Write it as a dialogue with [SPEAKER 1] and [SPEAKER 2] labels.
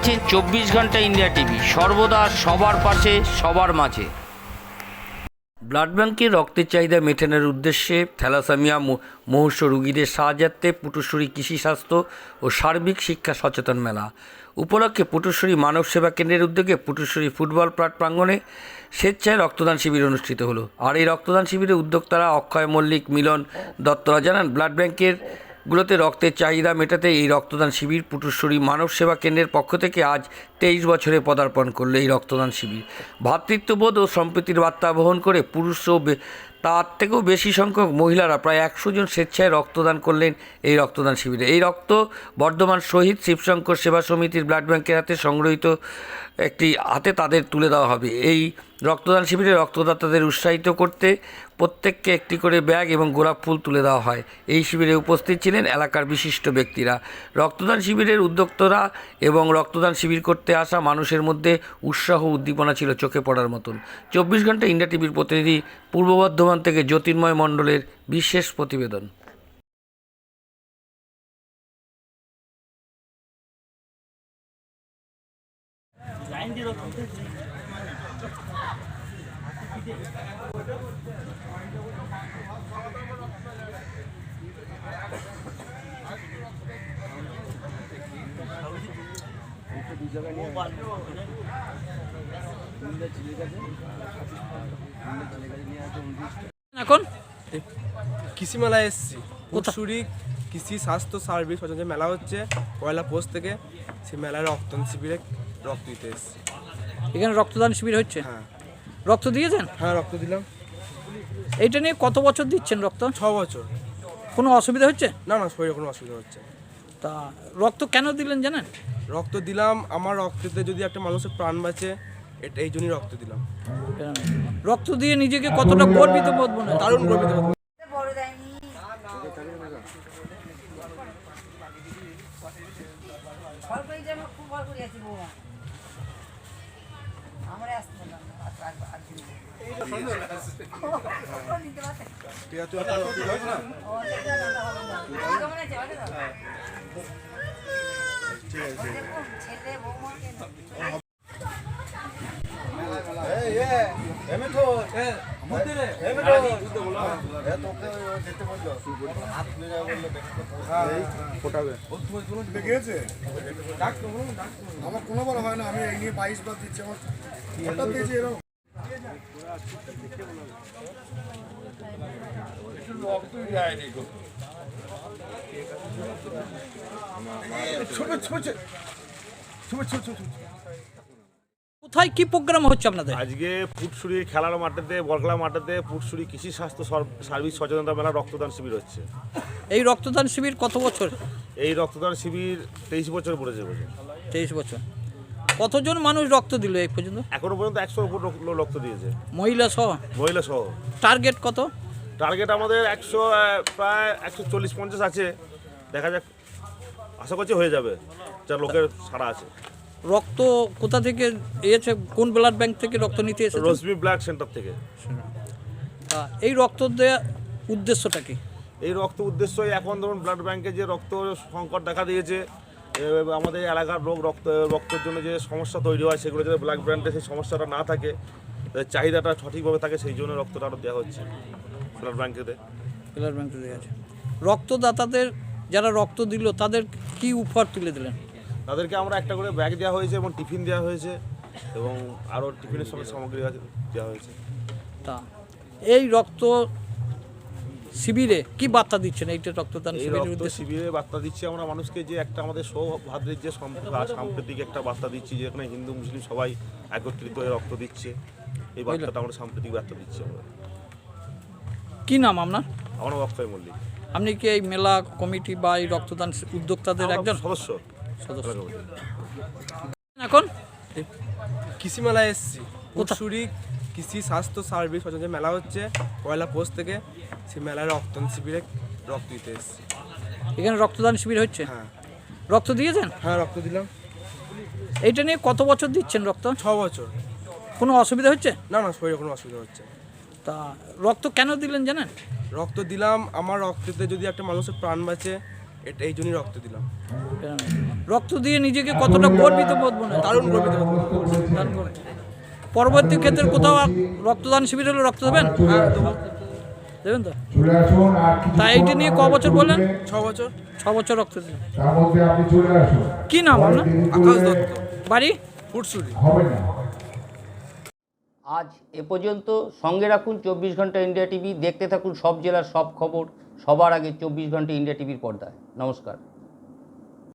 [SPEAKER 1] দেখছেন 24 ঘন্টা India TV, সর্বদা সবার পাশে সবার মাঝে। ব্লাড ব্যাংকে রক্তের চাহিদা মেটানোর উদ্দেশ্যে থ্যালাসেমিয়া মুমূর্ষ রোগীদের সাহায্যার্থে পুটুশ্বরী কৃষি স্বাস্থ্য ও সার্বিক শিক্ষা সচেতন মেলা উপলক্ষে পুটুশ্বরী মানব সেবা কেন্দ্রের উদ্যোগে পুটুশ্বরী ফুটবল প্রাঙ্গণে স্বেচ্ছায় রক্তদান শিবির অনুষ্ঠিত হলো। আর এই রক্তদান শিবিরে উদ্যোক্তারা অক্ষয় মল্লিক, মিলন দত্তরা জানান, ব্লাড ব্যাংকের গুলোতে রক্তের চাহিদা মেটাতে এই রক্তদান শিবির পুটুশ্বরী মানব সেবা কেন্দ্রের পক্ষ থেকে আজ 23 বছরে পদার্পণ করলো। এই রক্তদান শিবির ভ্রাতৃত্ববোধ ও সম্প্রীতির বার্তা বহন করে পুরুষ ও তার থেকেও বেশি সংখ্যক মহিলারা প্রায় 100 জন স্বেচ্ছায় রক্তদান করলেন এই রক্তদান শিবিরে। এই রক্ত বর্ধমান শহীদ শিবশঙ্কর সেবা সমিতির ব্লাড ব্যাংকের হাতে সংগ্রহীত একটি হাতে তাদের তুলে দেওয়া হবে। এই রক্তদান শিবিরে রক্তদাতাদের উৎসাহিত করতে প্রত্যেককে একটি করে ব্যাগ এবং গোলাপ ফুল তুলে দেওয়া হয়। এই শিবিরে উপস্থিত ছিলেন এলাকার বিশিষ্ট ব্যক্তিরা। রক্তদান শিবিরের উদ্যোক্তারা এবং রক্তদান শিবির করতে আসা মানুষের মধ্যে উৎসাহ উদ্দীপনা ছিল চোখে পড়ার মতন। 24 ঘন্টা ইন্ডিয়া টিভির প্রতিনিধি পূর্ব বর্ধমান থেকে জ্যোতির্ময় মণ্ডলের বিশেষ প্রতিবেদন।
[SPEAKER 2] এখন
[SPEAKER 3] কৃষি মেলায় এসেছি। পুটুশ্বরী কৃষি স্বাস্থ্য সার্ভিস সচেতন মেলা হচ্ছে পয়লা পোস্ট থেকে। সেই মেলায় রক্তদান শিবিরে রক্ত দিতে এসেছি।
[SPEAKER 2] এখানে রক্তদান শিবির হচ্ছে?
[SPEAKER 3] হ্যাঁ।
[SPEAKER 2] রক্ত দিয়েছেন?
[SPEAKER 3] হ্যাঁ, রক্ত দিলাম।
[SPEAKER 2] এইটা নিয়ে কত বছর দিচ্ছেন রক্ত?
[SPEAKER 3] 6 বছর।
[SPEAKER 2] কোনো অসুবিধা হচ্ছে?
[SPEAKER 3] না না, শরীরে কোনো অসুবিধা হচ্ছে না।
[SPEAKER 2] তা রক্ত কেন দিলেন জানেন?
[SPEAKER 3] রক্ত দিলাম, আমার রক্ততে যদি একটা মানুষের প্রাণ বাঁচে, এই জন্যই রক্ত দিলাম।
[SPEAKER 2] রক্ত দিয়ে নিজেকে কতটা গর্বিত বোধ মনে হয়?
[SPEAKER 3] দারুণ গর্বিত বোধ।
[SPEAKER 4] আমার কোনো বড় হয় না, আমি এই নিয়ে 22 বার দিচ্ছি। আমার হঠাৎ দিয়েছি এরকম
[SPEAKER 2] কোথায় কি প্রোগ্রাম হচ্ছে আপনাদের?
[SPEAKER 5] আজকে পুটুশ্বরী খেলার মাঠেতে, বল খেলার মাঠেতে পুটুশ্বরী কৃষি স্বাস্থ্য সার্ভিস সচেতনতা মেলা রক্তদান শিবির হচ্ছে।
[SPEAKER 2] এই রক্তদান শিবির কত বছর?
[SPEAKER 5] এই রক্তদান শিবির 23 বছর পড়েছে।
[SPEAKER 2] 23 বছর। কতজন মানুষ রক্ত দিল এই পর্যন্ত?
[SPEAKER 5] এখনো পর্যন্ত 100 উপর রক্ত দিয়েছে,
[SPEAKER 2] মহিলা সহ?
[SPEAKER 5] মহিলা সহ।
[SPEAKER 2] টার্গেট কত?
[SPEAKER 5] টার্গেট আমাদের 100, প্রায় 140-50 আছে। দেখা যাক, আশা করছি হয়ে যাবে, যা লোকের সারা আছে।
[SPEAKER 2] রক্ত কোথা থেকে এসেছে? কোন ব্লাড ব্যাংক থেকে রক্ত নিতে এসেছে?
[SPEAKER 5] রশ্মি ব্লাড সেন্টার থেকে।
[SPEAKER 2] এই রক্ত দেওয়ার উদ্দেশ্যটা কি?
[SPEAKER 5] এই রক্ত উদ্দেশ্য, এখন ধরুন ব্লাড ব্যাংকে যে রক্ত সংকট দেখা দিয়েছে, আমাদের এলাকার রক্তের জন্য যে সমস্যা তৈরি হয়, সেগুলো যাতে ব্লাড ব্যাংকে সেই সমস্যাটা না থাকে, চাহিদাটা সঠিকভাবে থাকে, সেই জন্য রক্তটা আরও দেওয়া হচ্ছে ব্লাড ব্যাংকেতে।
[SPEAKER 2] ব্লাড ব্যাংকে দেওয়া আছে। রক্তদাতাদের যারা রক্ত দিল তাদের কি উপহার তুলে দিলেন?
[SPEAKER 5] তাদেরকে আমরা একটা করে ব্যাগ দেওয়া হয়েছে এবং টিফিন দেওয়া হয়েছে এবং আরও টিফিনের সঙ্গে সামগ্রী দেওয়া হয়েছে।
[SPEAKER 2] তা এই রক্ত শিবিরে কি বার্তা দিচ্ছেন? এইটা রক্তদান
[SPEAKER 5] শিবিরে বার্তা দিচ্ছি আমরা মানুষকে, যে একটা আমাদের সৌভাদ্রের যে সাম্প্রতিক একটা বার্তা দিচ্ছি, যেখানে হিন্দু মুসলিম সবাই একত্রিত হয়ে রক্ত দিচ্ছে। এই বার্তাটা আমরা সাম্প্রতিক বার্তা দিচ্ছি আমরা।
[SPEAKER 2] কি নাম আপনার?
[SPEAKER 5] আমার নাম অক্ষয় মল্লিক।
[SPEAKER 2] আপনি কি এই মেলা কমিটি বা এই রক্তদান উদ্যোক্তাদের একজন
[SPEAKER 5] সদস্য?
[SPEAKER 2] এখন
[SPEAKER 3] কৃষি মেলায় এসেছি। পুটুশ্বরী কৃষি স্বাস্থ্য সার্ভিস সচেতন মেলা হচ্ছে পয়লা পোস্ট থেকে। সেই মেলায় রক্তদান শিবিরে রক্ত দিতে এসেছি।
[SPEAKER 2] এখানে রক্তদান শিবির হচ্ছে?
[SPEAKER 3] হ্যাঁ।
[SPEAKER 2] রক্ত দিয়েছেন?
[SPEAKER 3] হ্যাঁ, রক্ত দিলাম।
[SPEAKER 2] এইটা নিয়ে কত বছর দিচ্ছেন রক্ত?
[SPEAKER 3] 6 বছর।
[SPEAKER 2] কোনো অসুবিধা হচ্ছে?
[SPEAKER 3] না না, শরীরে কোনো অসুবিধা হচ্ছে না।
[SPEAKER 2] তা রক্ত কেন দিলেন জানেন?
[SPEAKER 3] রক্ত দিলাম, আমার রক্ততে যদি একটা মানুষের প্রাণ বাঁচে, এই জন্যই রক্ত দিলাম।
[SPEAKER 2] রক্ত দিয়ে নিজেকে কতটা গর্বিত বোধ মনে হয়?
[SPEAKER 3] দারুণ গর্বিত বোধ করছি।
[SPEAKER 2] দান করে। পরবর্তী ক্ষেত্রে কোথাও রক্তদান শিবির হলে রক্ত দেবেন?
[SPEAKER 3] হ্যাঁ, দেবো।
[SPEAKER 2] দেবেন তো? তা এইটা নিয়ে ক বছর বললেন?
[SPEAKER 3] 6 বছর।
[SPEAKER 2] 6 বছর রক্ত দিলেন। কি নাম আপনার?
[SPEAKER 3] আকাশ দত্ত,
[SPEAKER 2] বাড়ি?
[SPEAKER 3] ফুটসুরি।
[SPEAKER 1] আজ এ পর্যন্ত। সঙ্গে রাখুন 24 ঘন্টা ইন্ডিয়া টিভি। দেখতে থাকুন সব জেলার সব খবর সবার আগে 24 ঘন্টা ইন্ডিয়া টিভির পর্দায়। নমস্কার।